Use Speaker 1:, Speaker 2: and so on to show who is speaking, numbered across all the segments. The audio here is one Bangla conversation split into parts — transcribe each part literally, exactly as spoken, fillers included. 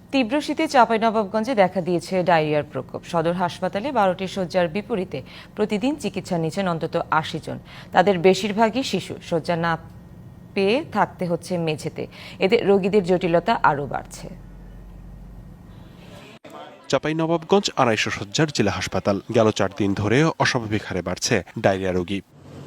Speaker 1: তীব্র শীতে চাঁপাইনবাবগঞ্জে দেখা দিয়েছে ডায়রিয়ার প্রকোপ। সদর হাসপাতালে বারোটি শয্যার বিপরীতে প্রতিদিন চিকিৎসা নিচ্ছেন অন্তত আশি জন। তাদের বেশিরভাগই শিশু। শয্যা না পেয়ে থাকতে হচ্ছে মেঝেতে। এতে রোগীদের জটিলতা আরও বাড়ছে।
Speaker 2: চাঁপাইনবাবগঞ্জ আড়াইশো শয্যার জেলা হাসপাতাল। গেল চার দিন ধরে অস্বাভাবিক হারে বাড়ছে ডায়রিয়া রোগী।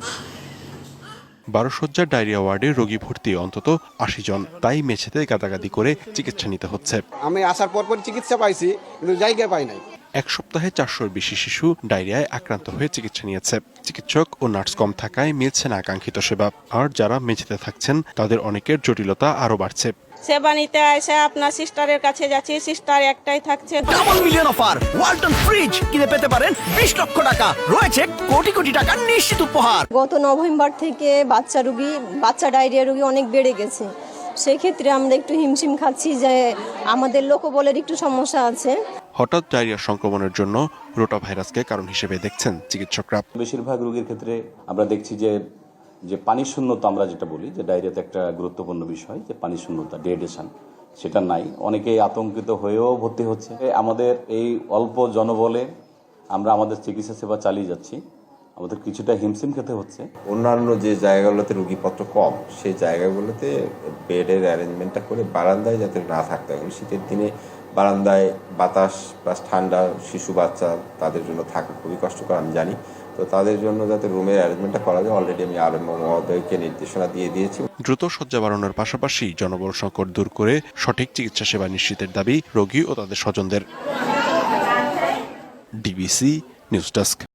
Speaker 2: বারো শয্যার ডায়রিয়া ওয়ার্ডে রোগী ভর্তি অন্তত আশি জন। তাই মেঝেতে গাদাগাদি করে চিকিৎসা নিতে হচ্ছে।
Speaker 3: আমি আসার পর পর চিকিৎসা পাইছি, কিন্তু জায়গা পাই নাই।
Speaker 2: এক সপ্তাহে চারশোর বেশি শিশু ডায়রিয়ায় আক্রান্ত হয়ে চিকিৎসা নিয়েছে। চিকিৎসক ও নার্স কম থাকায় মিলছে না আকাঙ্ক্ষিত সেবা। আর যারা মেঝেতে থাকছেন তাদের অনেকের জটিলতা আরও বাড়ছে।
Speaker 4: সেবা নিতে এসে আপনার সিস্টারের কাছে যাচ্ছি, সিস্টার একটাই থাকছে।
Speaker 5: Double million offer Walton fridge কিনে পেতে পারেন বিশ লক্ষ টাকা, রয়েছে কোটি কোটি টাকার নিশ্চিত উপহার।
Speaker 6: গত নভেম্বর থেকে বাচ্চা রোগী বাচ্চা ডায়রিয়া রোগী অনেক বেড়ে গেছে। সেক্ষেত্রে আমরা একটু হিমশিম খাচ্ছি যে আমাদের লোকবলের একটু সমস্যা আছে।
Speaker 2: হঠাৎ ডায়রিয়া সংক্রমণের জন্য রোটা ভাইরাসকে কারণ হিসেবে দেখছেন চিকিৎসকরা।
Speaker 7: বেশিরভাগ রোগীর ক্ষেত্রে আমরা দেখছি যে যে পানি শূন্যতা, আমরা যেটা বলি যে ডায়রিয়াতে একটা গুরুত্বপূর্ণ বিষয় যে পানি শূন্যতা, ডিহাইড্রেশন, সেটা নাই। অনেকেই আতঙ্কিত হয়েও ভর্তি হচ্ছে। আমাদের এই অল্প জনবলে আমরা আমাদের চিকিৎসা সেবা চালিয়ে যাচ্ছি। আমাদের কিছুটা হিমশিম খেতে হচ্ছে।
Speaker 8: অন্যান্য যে জায়গাগুলোতে রোগীপত্র কম, সেই জায়গাগুলোতে বেডের অ্যারেঞ্জমেন্টটা করে বারান্দায় যাতে না থাকতে হয়। শীতের দিনে বারান্দায় বাতাস প্লাস ঠান্ডা, শিশু বাচ্চা তাদের জন্য থাকা খুবই কষ্টকর আমি জানি। তো তাদের জন্য যাতে রুমের অ্যারেঞ্জমেন্টটা করা যায়, অলরেডি আমি আরএম মহোদয়কে নির্দেশনা দিয়ে দিয়েছি।
Speaker 2: দ্রুত শয্যা বাড়ানোর পাশাপাশি জনবল সংকট দূর করে সঠিক চিকিৎসা সেবা নিশ্চিতের দাবি রোগী ও তাদের স্বজনদের। DBC news desk.